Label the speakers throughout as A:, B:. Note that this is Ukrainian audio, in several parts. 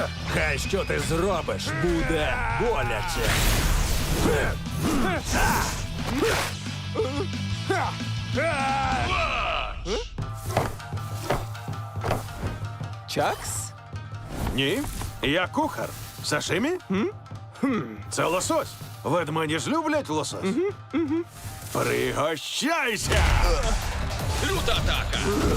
A: Хай що ти зробиш, буде боляче.
B: Чакс?
A: Ні, я кухар. Сашимі? Це лосось. Ведмені ж люблять лосось. Пригощайся!
C: Люта атака!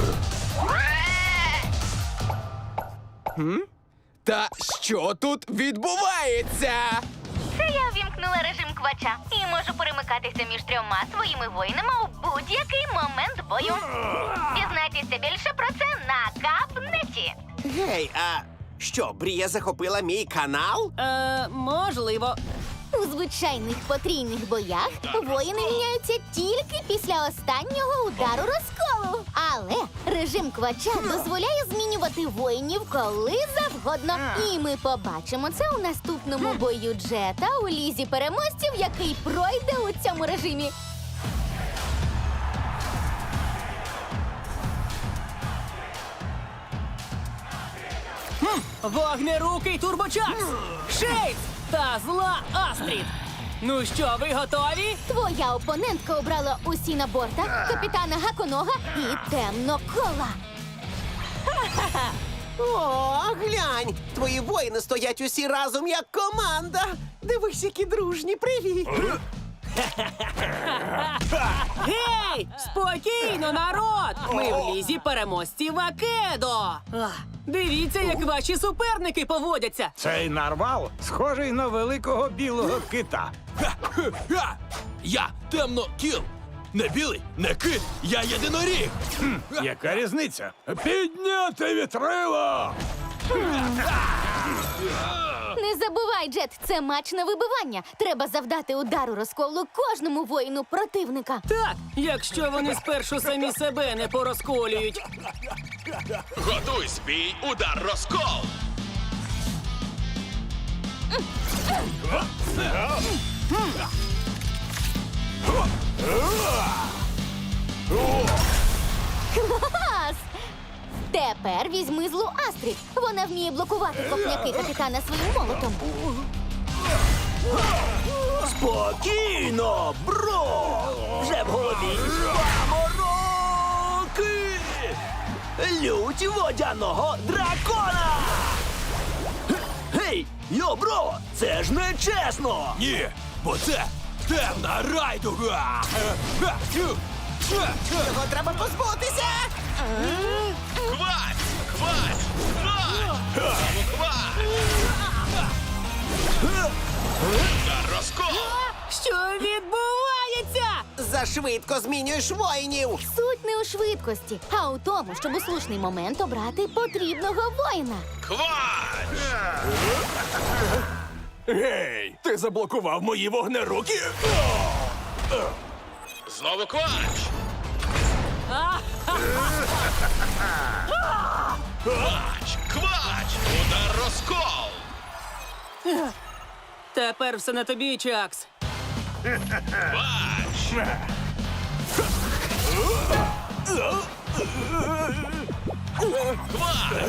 B: Та що тут відбувається?
D: Це я ввімкнула режим квача і можу перемикатися між трьома своїми воїнами у будь-який момент бою. Дізнайтеся більше про це на Капнеті.
E: Гей, а що, Брія захопила мій канал?
F: Можливо.
D: У звичайних потрійних боях воїни міняються тільки після останнього удару розколу. Але режим квача дозволяє змінювати воїнів коли завгодно. І ми побачимо це у наступному бою Джета у лізі переможців, який пройде у цьому режимі.
F: Вогнерукий турбочакс! Шейдс та зла Астрід! Ну що, ви готові?
D: Твоя опонентка обрала Усіна Борта, капітана Гаконога і Темнокола.
E: О, глянь! Твої воїни стоять усі разом як команда. Дивись, які дружні, привіт!
F: Гей! Спокійно, народ! Ми в лізі переможців Акедо! Дивіться, як ваші суперники поводяться!
A: Цей нарвал схожий на великого білого кита.
C: Я темно-кіл! Не білий, не кит, я єдиноріг!
A: Яка різниця? Підняти вітрило!
D: Не забувай, Джет, це матч на вибивання. Треба завдати удару розколу кожному воїну противника.
F: Так, якщо вони спершу самі себе не порозколюють.
C: Готуй бій, удар розкол!
D: Клас! Тепер візьми злу Астрід. Вона вміє блокувати копняки капітана своїм молотом.
G: Спокійно, бро! Вже в голові памороки! Лють водяного дракона! Гей, йо, бро! Це ж не чесно!
C: Ні, бо це темна райдуга!
E: Його треба позбутися!
C: Хвать! Хвать! Хвать! Хвать! Удар розкол!
F: Що відбувається?
E: Зашвидко змінюєш воїнів!
D: Суть не у швидкості, а у тому, щоб у слушний момент обрати потрібного воїна.
C: Хвать!
G: Гей, ти заблокував мої вогнеруки!
C: Знову квач! Квач! Квач! Удар розкол!
F: Тепер все на тобі, Чакс.
C: Квач! Квач!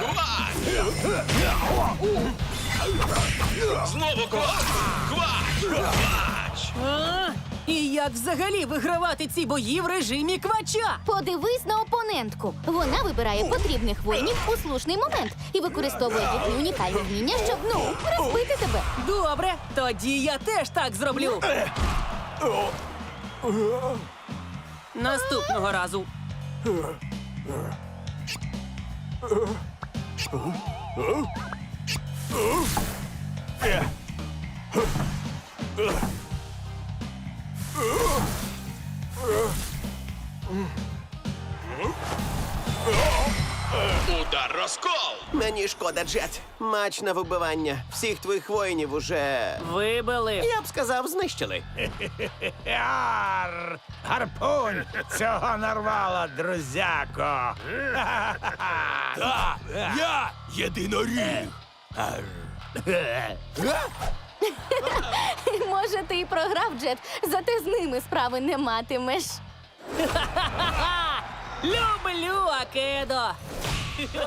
C: Квач! Знову квач! Квач! Квач!
F: І як взагалі вигравати ці бої в режимі квача?
D: Подивись на опонентку. Вона вибирає потрібних воїнів у слушний момент і використовує їхні унікальні вміння, щоб, розбити тебе.
F: Добре, тоді я теж так зроблю. Наступного разу.
C: Удар розкол!
E: Мені шкода, Джет. Матч на вибивання. Всіх твоїх воїнів уже,
F: Вибили.
E: я б сказав, знищили.
A: Яр! Гарпунь цього нарвала, друзяко!
C: Та, я єдиноріг!
D: Може, ти і програв, Джет, зате з ними справи не матимеш.
F: Люблю Акедо.